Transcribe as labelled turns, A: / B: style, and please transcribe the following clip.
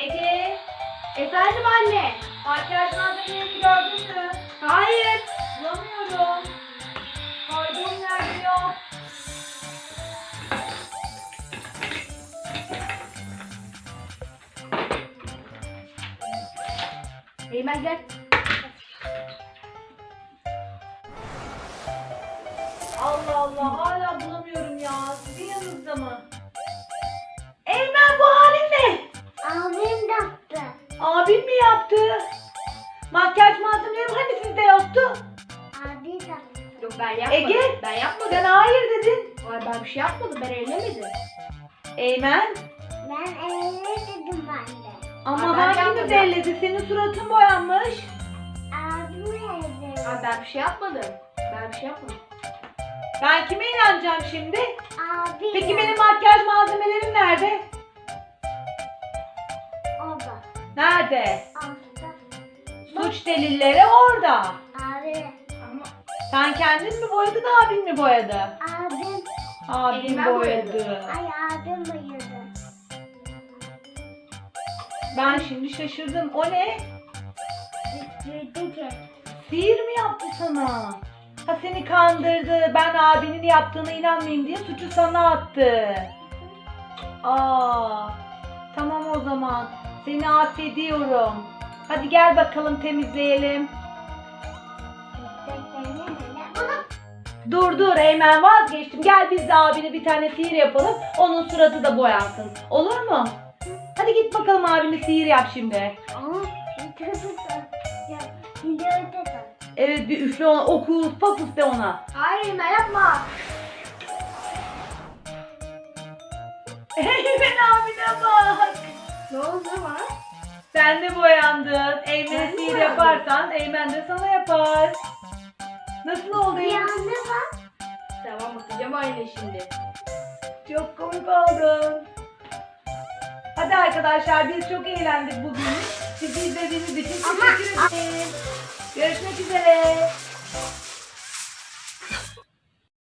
A: Ege. Efendim anne. Makyaj malzemelerini gördün mü? Hayır. Bulamıyorum. Koyduğum yerde yok. Eymen gel. Allah Allah, hala bulamıyorum ya. Sizin yanınızda mı? Eymen, bu halin ne?
B: Abim yaptı.
A: Abim mi yaptı? Makyaj malzemelerim hani sizde yoktu?
B: Abi yaptı.
C: Yok ben yapmadım.
A: Ege,
C: Ben yapmadım.
A: sen hayır dedin.
C: Ay, ben bir şey yapmadım. Ben ellemedim.
A: Eymen,
B: Ben öyle dedim ben de.
A: ama
C: Aa, ben
A: hangimiz
C: yapmadım.
A: elledi? Senin suratın boyanmış.
B: Abim öyle.
C: Ay, ben bir şey yapmadım. Ben bir şey yapmadım.
A: Ben kime inanacağım şimdi?
B: Abi.
A: Peki benim makyaj malzemelerim nerede?
B: Orada.
A: Nerede?
B: Orada.
A: Suç delilleri orada.
B: Abi.
C: Ama
A: Sen kendin mi boyadın, abin mi boyadı?
B: Abim.
A: Abim
C: Eymen
A: boyadı.
C: boyadı.
B: Ay abim uyudu.
A: Ben şimdi şaşırdım. O ne?
B: Dedi ki.
A: Sihir mi yaptı sana? Ha, seni kandırdı. Ben abinin yaptığına inanmayayım diye suçu sana attı. Aa, tamam o zaman. Seni affediyorum. Hadi gel bakalım temizleyelim. Dur Eymen, vazgeçtim. Gel biz de abine bir tane sihir yapalım. Onun suratı da boyansın. Olur mu? Hadi git bakalım abine sihir yap şimdi.
B: Ama videoda da.
A: Evet, bir üfle ona. Okus pokus de ona.
C: hayır Eymen yapma.
A: Eymen abine bak.
C: Ne oldu ama?
A: Sen de boyandın. Eymen'e
C: Ben mi
A: sihir
C: boyandım?
A: yaparsan Eymen de sana yapar. Nasıl oldu
B: Bir
A: Eymen?
B: anda bak.
C: Tamam bakacağım aynı şimdi.
A: Çok komik oldun. Hadi arkadaşlar, biz çok eğlendik bugün. Sizi izlediğiniz için teşekkür ederim. Görüşmek üzere.